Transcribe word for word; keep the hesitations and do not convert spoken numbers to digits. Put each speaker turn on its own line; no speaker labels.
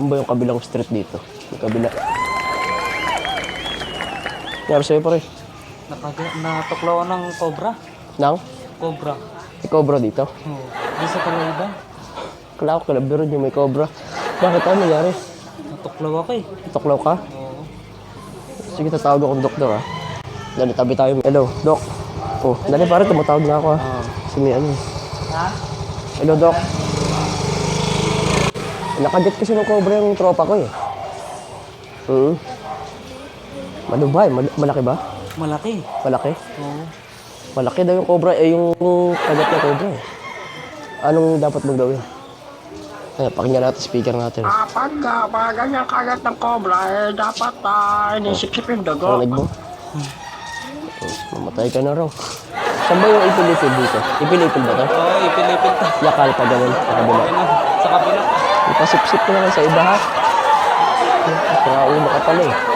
ba yung kabilang street dito? Yung kabila. Nangyari sa'yo pare?
Nakaga- natuklaw ng cobra.
Nang?
Cobra.
May cobra dito?
Oo. Di sa Kalaiban.
Kala ko kalabiro yung may cobra. Bakit ano nangyari?
Natuklaw ako eh.
Tuklaw ka?
Oo.
Sige, tatawag akong doktor ha. Dali, tabi tayo. Hello, Dok. Oh, dali pare, tumatawag na ako ha.
Oo.
Kasi may ano.
Ha?
Hello, Dok. Nakagat kasi ng cobra yung tropa ko eh. Hmm. Ano ba eh? Mal- malaki ba?
Malaki.
Malaki?
Oo.
Malaki daw yung cobra. Eh, yung kagat na cobra eh. Anong dapat mong gawin? Ay, pakinggan natin, speaker natin.
Ah, pag uh, pag ganyan kagat ng cobra, eh, dapat uh, inisikip yung dugo.
Narinig mo? Oh, mamatay ka na raw. Saan ba yung ipilipil dito? Ipilipil ba to?
Oo, ipilipil ta.
Yakal pa ganun sa kabila.
Ayun, sa kabila.
Ipasipsip ko na lang sa iba ha. Kaya ulo ka pala eh.